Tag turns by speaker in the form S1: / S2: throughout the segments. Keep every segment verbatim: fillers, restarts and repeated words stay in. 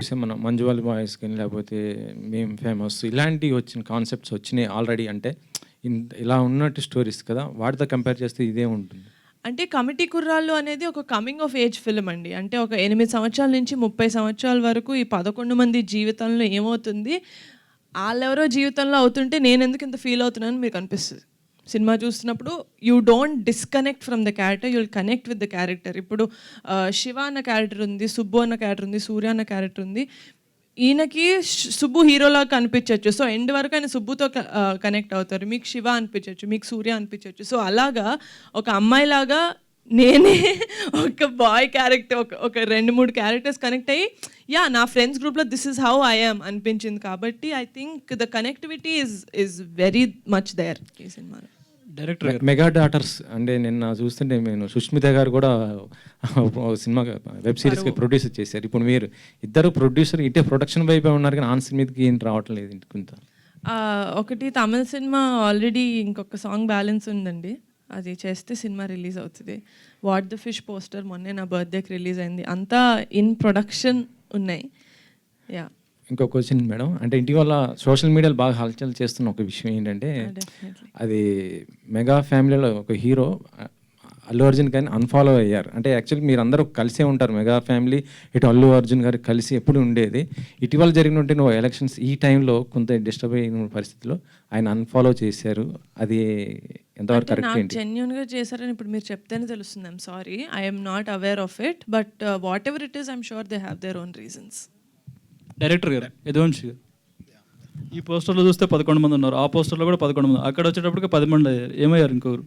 S1: చూసాం మనం మంజువాల్ బాయ్స్ కానీ లేకపోతే మేము ఫేమస్ ఇలాంటివి వచ్చిన కాన్సెప్ట్స్ వచ్చినాయి ఆల్రెడీ. అంటే ఇంత ఇలా ఉన్నట్టు స్టోరీస్ కదా, వాటితో కంపేర్ చేస్తే ఇదే ఉంటుంది.
S2: అంటే కమిటీ కుర్రాళ్ళు అనేది ఒక కమింగ్ ఆఫ్ ఏజ్ ఫిల్మ్ అండి. అంటే ఒక ఎనిమిది సంవత్సరాల నుంచి ముప్పై సంవత్సరాల వరకు ఈ పదకొండు మంది జీవితంలో ఏమవుతుంది, వాళ్ళెవరో జీవితంలో అవుతుంటే నేను ఎందుకు ఇంత ఫీల్ అవుతున్నాను మీకు అనిపిస్తుంది. సినిమా చూస్తున్నప్పుడు you don't disconnect from the character, you will connect with the character. ఇప్పుడు శివ అన్న క్యారెక్టర్ ఉంది, సుబ్బు అన్న క్యారెక్టర్ ఉంది, సూర్య అన్న క్యారెక్టర్ ఉంది. ఈయనకి సుబ్బు హీరోలా కనిపించవచ్చు, సో ఎండ్ వరకు ఆయన సుబ్బుతో కనెక్ట్ అవుతారు. మీకు శివ అనిపించవచ్చు, మీకు సూర్య అనిపించవచ్చు. సో అలాగా ఒక అమ్మాయిలాగా నేనే ఒక బాయ్ క్యారెక్టర్ ఒక ఒక రెండు మూడు క్యారెక్టర్స్ కనెక్ట్ అయ్యి యా నా ఫ్రెండ్స్ గ్రూప్లో this is how I am అనిపించింది. కాబట్టి I think the connectivity is is very much there ఈ సినిమాలో.
S3: డైరెక్టర్
S1: మెగా డాటర్స్ అంటే నిన్న చూస్తుంటే నేను సుష్మిత గారు కూడా సినిమా వెబ్ సిరీస్కి ప్రొడ్యూసర్ చేశారు. ఇప్పుడు మీరు ఇద్దరు ప్రొడ్యూసర్ ఇటే ప్రొడక్షన్ వైపే ఉన్నారు కానీ ఆన్ సినిమాకి ఏం రావటం లేదు ఇంత.
S2: ఒకటి తమిళ సినిమా ఆల్రెడీ ఇంకొక సాంగ్ బ్యాలెన్స్ ఉందండి, అది చేస్తే సినిమా రిలీజ్ అవుతుంది. వాట్ ద ఫిష్ పోస్టర్ మొన్నే నా బర్త్డేకి రిలీజ్ అయింది. అంతా ఇన్ ప్రొడక్షన్ ఉన్నాయి. యా
S1: ఇంకో క్వశ్చన్ మేడం, అంటే ఇటీవల సోషల్ మీడియాలో బాగా హల్చల్ చేస్తున్న ఒక విషయం ఏంటంటే అది మెగా ఫ్యామిలీలో ఒక హీరో అల్లు అర్జున్ కానీ అన్ఫాలో అయ్యారు. అంటే యాక్చువల్లీ మీరు అందరూ కలిసే ఉంటారు, మెగా ఫ్యామిలీ ఇటు అల్లు అర్జున్ గారు కలిసి ఎప్పుడు ఉండేది. ఇటీవల జరిగినట్టు నువ్వు ఎలక్షన్స్ ఈ టైంలో కొంత డిస్టర్బ్ అయిన పరిస్థితిలో ఆయన అన్ఫాలో చేశారు. అది ఎంతవరకు కరెక్ట్ ఏంటి?
S2: జెన్యూన్గా చేశారని ఇప్పుడు మీరు చెప్తేనే తెలుస్తుంది. I'm sorry, I'm not aware of it, but whatever it is I'm sure they have their own reasons.
S3: Director గారు యదువంశి గారు, ఈ పోస్టర్లో చూస్తే పదకొండు మంది ఉన్నారు, ఆ పోస్టర్లో కూడా పదకొండు మంది, అక్కడ వచ్చేటప్పటికి పది మంది అయ్యారు. ఏమయ్యారు ఇంకొకరు?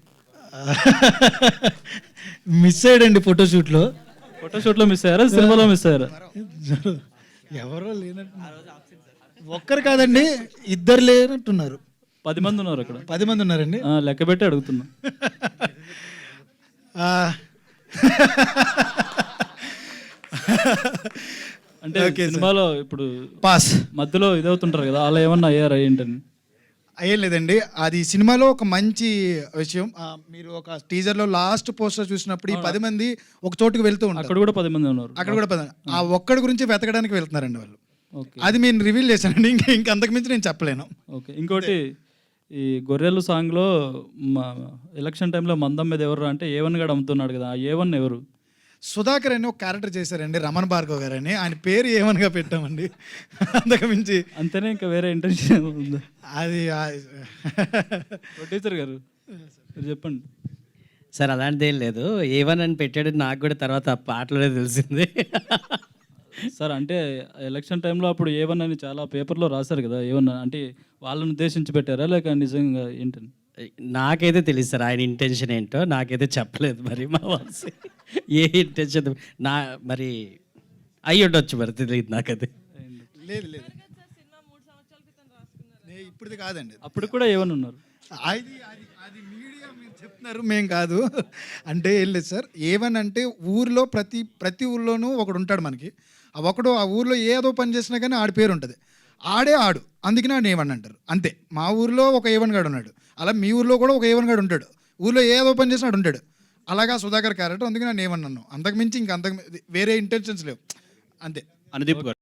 S4: మిస్ అయ్యాడండి ఫోటోషూట్లో.
S3: ఫోటోషూట్లో మిస్ అయ్యారా, సినిమాలో మిస్ అయ్యారా?
S4: ఎవరో లేనట్టు, ఒక్కరు కాదండి ఇద్దరు లేనట్టున్నారు.
S3: పది మంది ఉన్నారు అక్కడ.
S4: పది మంది ఉన్నారండి,
S3: లెక్క పెట్టి అడుగుతున్నా. అంటే సినిమాలో ఇప్పుడు
S4: పాస్
S3: మధ్యలో ఇదవుతుంటారు కదా, అలా ఏమన్నా అయ్యారా ఏంటని?
S4: అయ్యేం లేదండి. అది సినిమాలో ఒక మంచి విషయం. మీరు ఒక టీజర్లో లాస్ట్ పోస్టర్ చూసినప్పుడు ఈ పది మంది ఒక చోటుకు వెళ్తూ ఉంటారు,
S3: అక్కడ కూడా పది మంది ఉన్నారు.
S4: అక్కడ కూడా పది, ఆ ఒక్కడి గురించి వెతకడానికి వెళ్తున్నారండి వాళ్ళు. అది నేను రివీల్ చేశానండి, ఇంకా ఇంకా అంతకుమించి నేను చెప్పలేను.
S3: ఓకే, ఇంకోటి ఈ గొర్రెలు సాంగ్లో మా ఎలక్షన్ టైంలో మందం మీద ఎవరు అంటే ఏ వన్ గడు అమ్ముతున్నాడు కదా, ఆ ఏ వన్ ఎవరు?
S4: సుధాకర్ అని ఒక క్యారెక్టర్ చేశారండి, రమణ భార్గవ్ గారు అని. ఆయన పేరు ఏమనగా పెట్టామండి, అంతకుమించి
S3: అంతేనే, ఇంకా వేరే ఇంటెన్షన్ ఉందా?
S4: అది
S3: ప్రొడ్యూసర్ గారు మీరు చెప్పండి
S5: సార్. అలాంటిది ఏం లేదు, ఏవన్ అని పెట్టాడు, నాకు కూడా తర్వాత పాటలోనే తెలిసింది
S3: సార్. అంటే ఎలక్షన్ టైంలో అప్పుడు ఏవన్ అని చాలా పేపర్లో రాశారు కదా, ఏమన్నా అంటే వాళ్ళని ఉద్దేశించి పెట్టారా లేక నిజంగా ఏంటని?
S5: నాకైతే తెలియదు సార్, ఆయన ఇంటెన్షన్ ఏంటో నాకైతే చెప్పలేదు. మరి మా వాల్సి ఏ ఇంటెన్షన్ నా మరి అయ్యి ఉండొచ్చు, మరి తెలియదు నాకది.
S4: లేదు లేదు ఇప్పుడు కాదండి,
S3: అప్పుడు కూడా ఏమన్నా ఉన్నారు.
S4: అది అది అది మీడియా మీరు చెప్తున్నారు, మేం కాదు. అంటే ఏం లేదు సార్, ఏమని అంటే ఊర్లో ప్రతి ప్రతి ఊర్లోనూ ఒకడు ఉంటాడు మనకి. ఆ ఒకడు ఆ ఊర్లో ఏదో పని చేసినా కానీ ఆడి పేరు ఉంటుంది, ఆడే ఆడు, అందుకని ఆడు ఏవన్ అంటారు. అంతే, మా ఊర్లో ఒక ఏవన్ గాడు ఉన్నాడు, అలా మీ ఊర్లో కూడా ఒక ఏవన్ గాడు ఉంటాడు, ఊర్లో ఏదో పని చేసినా ఆడు ఉంటాడు. అలాగా సుధాకర్ క్యారెక్టర్, అందుకని నేను ఏమన్నాను, అంతకుమించి ఇంకా అంతకు వేరే ఇంటెన్షన్స్ లేవు, అంతే.
S6: అనుదీప్ గారు